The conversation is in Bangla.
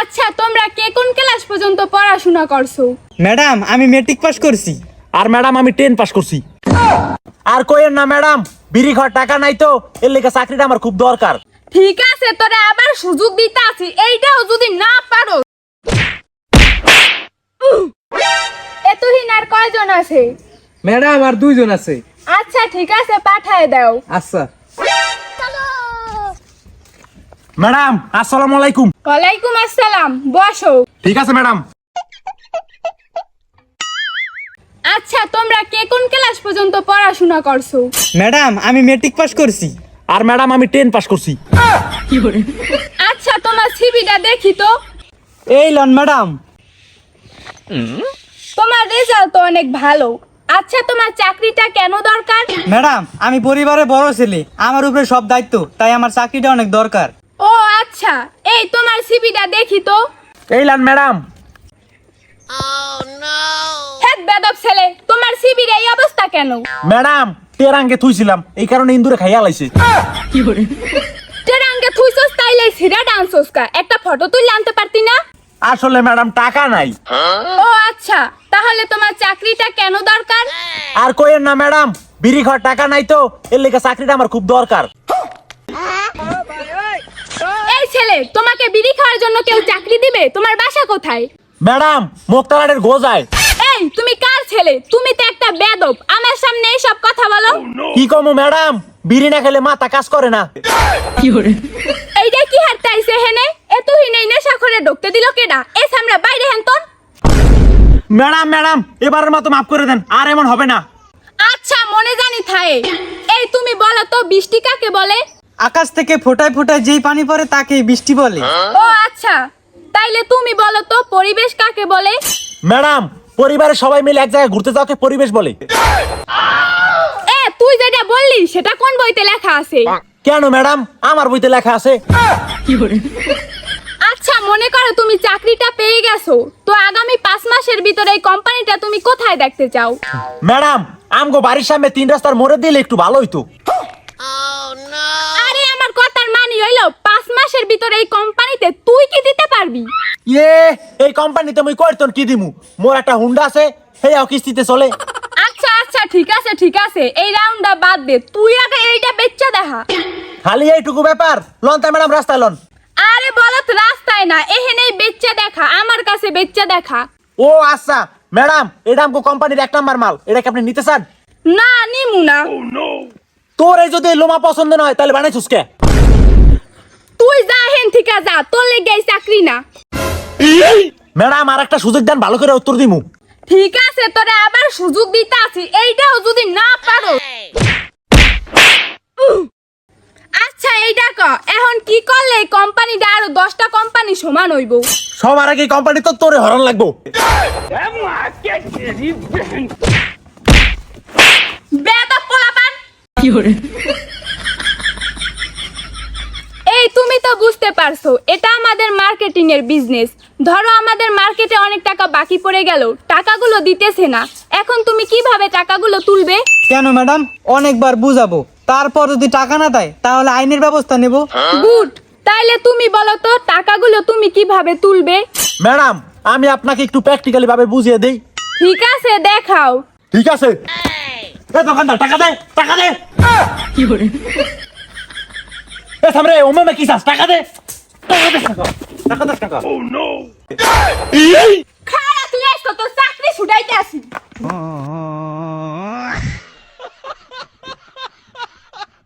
আচ্ছা তোমরা কে কোন ক্লাস পর্যন্ত পড়াশোনা করছো? ম্যাডাম আমি মেট্রিক পাস করছি। আর ম্যাডাম আমি 10 পাস করছি। আর কইেন না ম্যাডাম, বিড়ি খাওয়ার টাকা নাই তো, এর লেগে চাকরিটা আমার খুব দরকার। ঠিক আছে, তোরা আবার সুযোগ দিতে আছি, এইটাও যদি না পারো। এতদিন আর কয়জন আছে? ম্যাডাম আর 2 জন আছে। আচ্ছা ঠিক আছে, পাঠায় দাও। আচ্ছা। ম্যাডাম আসসালামু আলাইকুম। ওয়ালাইকুম আসসালাম, বসো। ঠিক আছে ম্যাডাম। আচ্ছা তোমরা কে কোন ক্লাস পর্যন্ত পড়াশোনা করছো? ম্যাডাম আমি মেট্রিক পাস করছি। আর ম্যাডাম আমি 10 পাস করছি। আচ্ছা তোমার সিভিটা দেখি তো। এই লন ম্যাডাম। তোমার রেজাল্ট তো অনেক ভালো। আচ্ছা তোমার চাকরিটা কেন দরকার? ম্যাডাম আমি পরিবারে বড় ছেলে, আমার উপরে সব দায়িত্ব, তাই আমার চাকরিটা অনেক দরকার। ও আচ্ছা, এই তোমার সিভিটা দেখি তো। এই লান ম্যাডাম। হেড বেদব ছেলে, তোমার সিভির এই অবস্থা কেন? ম্যাডাম টেরাঙ্গে থুইছিলাম, এই কারণে ইন্দুরে খাইয়া লাইছে। টেরাঙ্গে থুইছস তাইলে সিরা ডান্সস কা একটা ফটো তুলে আনতে পারতি না? আসলে ম্যাডাম টাকা নাই। ও আচ্ছা, তাহলে তোমার চাকরিটা কেন দরকার? আর কইেন না ম্যাডাম, বিড়ি খাওয়ার টাকা নাই তো, এর লেগে চাকরিটা আমার খুব দরকার। এই ছেলে, তোমাকে বিড়ি খাওয়ার জন্য কেউ চাকরি দিবে? তোমার বাসা কোথায়? ম্যাডাম মোক্তারাটের গোজায়। এই তুমি কার ছেলে? তুমি তো একটা বেদব, আমার সামনে এই সব কথা বলো। কি কমু ম্যাডাম, বিড়ি না খেলে মাথা কাজ করে না। এইটা কি হাঁটতাইছে হেনে? এতদিন এই নেশা করে ঢুকতে দিল কেডা? এই সামনে বাইরে হেনতন। ম্যাডাম ম্যাডাম এবারের মতো মাফ করে দেন, আর এমন হবে না। আচ্ছা মনে জানি থায়ে। এই তুমি বলো তো বৃষ্টি কাকে বলে? আকাশ থেকে ফোটায় ফোটায় যেই পানি পড়ে তাকে বৃষ্টি বলে। ও আচ্ছা, তাইলে তুমি বলো তো পরিবেশ কাকে বলে? ম্যাডাম পরিবারের সবাই মিলে এক জায়গায় ঘুরতে যাওয়াকে পরিবেশ বলে। তুই যেটা বললি সেটা কোন বইতে লেখা আছে? কেন ম্যাডাম, আমার বইতে লেখা আছে। আচ্ছা মনে করো তুমি চাকরিটা পেয়ে গেছো, তো আগামী 5 মাসের ভিতরে এই কোম্পানিটা তুমি কোথায় দেখতে চাও? ম্যাডাম আমগো বাড়ির সামনে 3 রাস্তার মোড়ে দিলে একটু ভালো হইতো। আরে আমার কথার মানে হইলো 5 মাসের ভিতরে এই কোম্পানিতে তুই কি দিতে পারবি? এই কোম্পানিতে মুই কয়তন কি দিমু, মোর একটা হুন্ডা আছে, হেয়াও কিস্তিতে চলে। আচ্ছা আচ্ছা ঠিক আছে, এই রাউন্ডটা বাদ দে, তুই আগে এইটা বেচ্চা দেখা। খালি এইটুকু ব্যাপার, লন তা ম্যাডাম রাস্তায় লন। আরে বলত রাস্তায় না, এখানেই বেচ্চা দেখা, আমার কাছে বেচ্চা দেখা। ও আচ্ছা ম্যাডাম, এটা আমগো কোম্পানির 1 নাম্বার মাল, এটা কি আপনি নিতে চান? না নিমু না। তোর এই যদি লোমা পছন্দ নয় তাহলে বানাইছস কে? তুই যা হেন থেকে যা, তোর লেগে এই চাকরি না। ম্যাডাম আর একটা সুযোগ দেন, ভালো করে উত্তর দিমু। ঠিক আছে, তোরা আবার সুযোগ দিতে আছি, এইটাও যদি না পারো। আচ্ছা এইটা ক, এখন কি করলে এই কোম্পানিটা আরো 10টা কোম্পানি সমান হইব? সবার আগে কোম্পানি তো তোরে হরণ লাগবো। বেয়াদব পোলাপান। এই তুমি তো বুঝতে পারছো, এটা আমাদের মার্কেটিং এর বিজনেস। ধরো আমাদের মার্কেটে অনেক টাকা বাকি পড়ে গেল, টাকাগুলো দিতেছে না, এখন তুমি কিভাবে টাকাগুলো তুলবে? কেন ম্যাডাম, অনেকবার বুঝাবো, তারপর যদি টাকা না দেয় তাহলে আইনের ব্যবস্থা নেব। গুড, তাইলে তুমি বলো তো টাকাগুলো তুমি কিভাবে তুলবে? ম্যাডাম আমি আপনাকে একটু প্র্যাকটিক্যালি ভাবে বুঝিয়ে দেই। ঠিক আছে দেখাও। ঠিক আছে, এ দোকানদার টাকা দে, টাকা দে। এ সামনে ওমে কি চাস, টাকা দে, টাকা দে, টাকা দে, টাকা। ও নো, খায়া তুই আইছো তো চাকরি ছুটাইতে আসি।